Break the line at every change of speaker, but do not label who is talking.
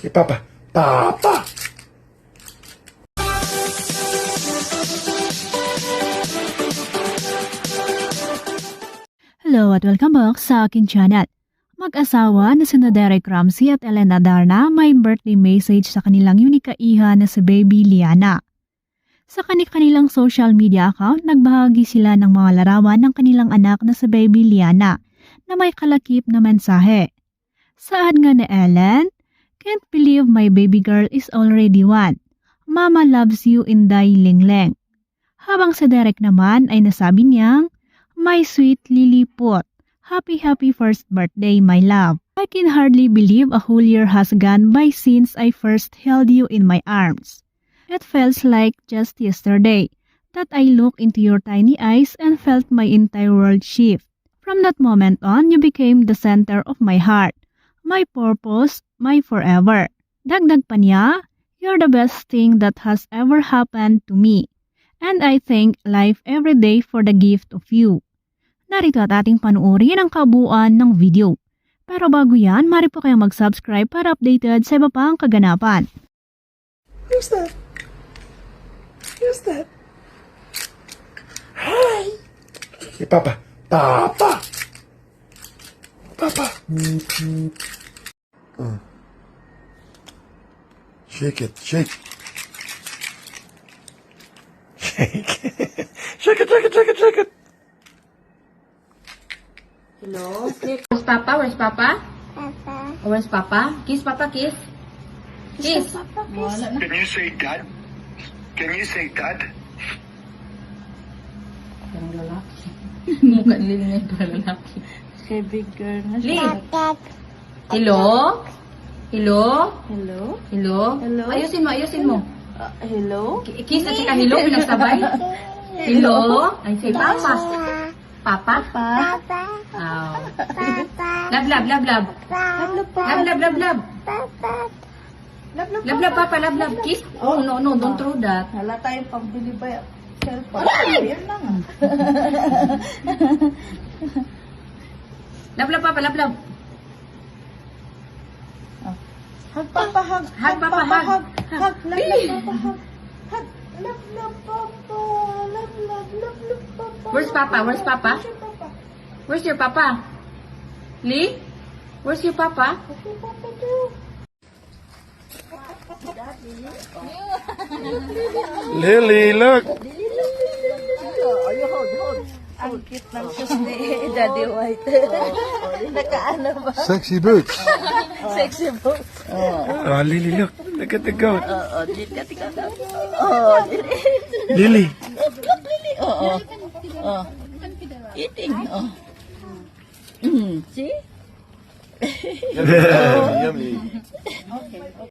Hey, Papa. Papa!
Hello at welcome back sa aking channel. Mag-asawa na sina Derek Ramsey at Elena Darna may birthday message sa kanilang unika iha na si Baby Liana. Sa kanilang social media account, nagbahagi sila ng mga larawan ng kanilang anak na si Baby Liana na may kalakip na mensahe. Saad nga ni Ellen, "Can't believe my baby girl is already one. Mama loves you in Lingleng." Habang si Derek naman ay nasabi niyang, "My sweet Lilliput, happy first birthday, my love. I can hardly believe a whole year has gone by since I first held you in my arms. It feels like just yesterday that I looked into your tiny eyes and felt my entire world shift. From that moment on, you became the center of my heart, my purpose, my forever." Dagdag pa niya, "You're the best thing that has ever happened to me. And I thank life every day for the gift of you." Narito at ating panuorin ang kabuuan ng video. Pero bago yan, mari po kayong mag-subscribe para updated sa iba pang kaganapan.
Who's that? Who's that? Hi! Hey, Papa. Papa! Papa! Shake it, shake. Shake. Shake it, shake it, shake it, shake it.
Hello? Where's Papa? Where's Papa?
Papa.
Where's Papa? Kiss, Papa, kiss. Kiss.
Can you say dad? Can you say dad?
Parang lalaki. Mukha nila ngayon parang lalaki.
Kay big girl na
Lee.
Dad.
Hello? Hello?
Hello?
Hello?
Hello?
Ayusin mo, ayusin mo.
Hello?
Kiss at saka hello, pinagsabay. Hello? Ay, say Papa. Papa?
Papa.
Oh.
Papa.
Love, love, love, love.
Papa.
Love, love, love, love.
Papa.
Love, love, Papa, love, love. Kiss. Oh, no, don't throw that.
Hala tayong pambili ba cellphone? Ayan na nga.
Love, love, Papa, love, love.
Hug, Papa, hug.
Hug, Papa, hug.
Hug. Love, Papa, hug. Hug. Love, Papa. Love, Papa.
Where's Papa? Where's Papa? Where's your Papa? Lee? Where's your Papa?
Lily, look.
Ang cute ng shoes ni Daddy White. Nakaano ba?
Sexy boots.
Sexy book.
Oh, Lily, look. Look at the goat.
Tika.
Lily.
Look, Lily. Eating. See?
Yummy.